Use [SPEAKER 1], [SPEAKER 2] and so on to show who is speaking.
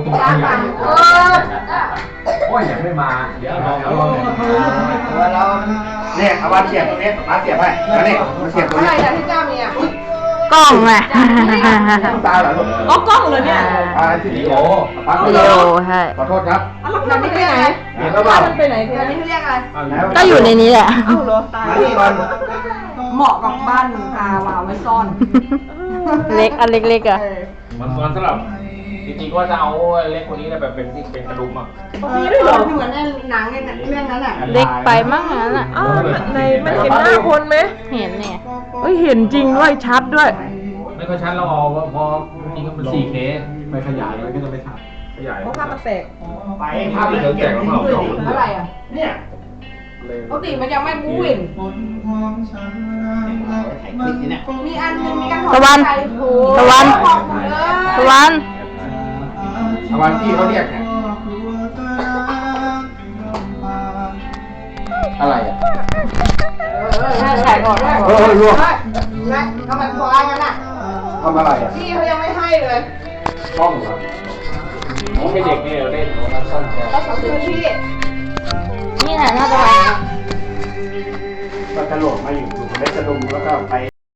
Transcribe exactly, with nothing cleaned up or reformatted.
[SPEAKER 1] ตาสั่นเออ
[SPEAKER 2] โอ้ยยังไม่มาเดี๋ยวเราเอา
[SPEAKER 3] เราเนี่ยเอาวันเสียบตรงนี้มาเสียบไปมาเนี่ยมาเสียบตรง
[SPEAKER 1] เมื่อไห
[SPEAKER 3] นี้
[SPEAKER 1] ร่จะที่เจ้ามีอ่ะ
[SPEAKER 4] กล้องอ่ะ
[SPEAKER 3] ตาเหรอลูก
[SPEAKER 5] อ๋อกล้องเหรอเนี่ย
[SPEAKER 3] อ่าที่ดีโอปัก
[SPEAKER 4] วิดีโอใช่
[SPEAKER 3] ขอโทษครับ
[SPEAKER 5] แล้วมันไปไหน
[SPEAKER 3] เห็นแล้วเปล่า
[SPEAKER 5] มันไปไหน
[SPEAKER 1] ตอนนี้เขาเรียกอะไร
[SPEAKER 4] ก็อยู่ในนี้แหละ
[SPEAKER 5] เอ้าเหรอตาย
[SPEAKER 3] มาที่ก่อน
[SPEAKER 5] เหมาะกับบ้านพาวาไว้ซ่อน
[SPEAKER 4] เล็กอันเล็กๆอ่ะ
[SPEAKER 2] มันส่วนสำหรับจริงๆก็จะเอาเล็กกว่านี้นะแบบเป็นเป็นกระดุมอ่ะ
[SPEAKER 5] มีด้วยเหรอ
[SPEAKER 1] เหมือนในหนังในเรื่องนั้นอ่ะ
[SPEAKER 4] เล็กไปมั้งอันนั้นอ่ะ
[SPEAKER 5] อ้าวในมันเห็นหน้าคนไหม
[SPEAKER 4] เห็นเนี่ย
[SPEAKER 5] เอ้ยเห็นจริงด้วยชัดด้วย
[SPEAKER 2] ไม่ค่อยชัดเราเอาพอจริงๆก็เป็น สี่เค ไปขยายมันก็จะไม่ชัดขยาย
[SPEAKER 5] เพราะภาพมันแตก
[SPEAKER 3] ไป
[SPEAKER 2] ภาพมันเหลืองแตกแล้วเปล่า
[SPEAKER 1] อะไรอ่ะ
[SPEAKER 3] เนี่ย
[SPEAKER 1] ปกติมันยังไม่บูวิน
[SPEAKER 3] ถ่ายคลิปนี่เนี่ย
[SPEAKER 1] มีอันนึงมีการ
[SPEAKER 4] ตะวัน ตะวัน ตะวัน
[SPEAKER 3] เอาวันที่เขาเรียกเนี่ยอะไรอ่ะ
[SPEAKER 1] ใช่ก่อน
[SPEAKER 3] เออลวก
[SPEAKER 1] นะเขามันควายกันอ่ะ
[SPEAKER 3] ทำอะไรอ่ะ
[SPEAKER 1] พี่เขายังไม่ให้เลย
[SPEAKER 3] กล้องเหรอ
[SPEAKER 2] ผมให้เด็กเนี่ยเล่นโน้ตสั้นแค่
[SPEAKER 1] ก็สองพื้นที่
[SPEAKER 4] นี่แหละน่าจะไป
[SPEAKER 3] ก็จะโหลดมาอยู่อยู่ในกระดุมแล้วก็ไป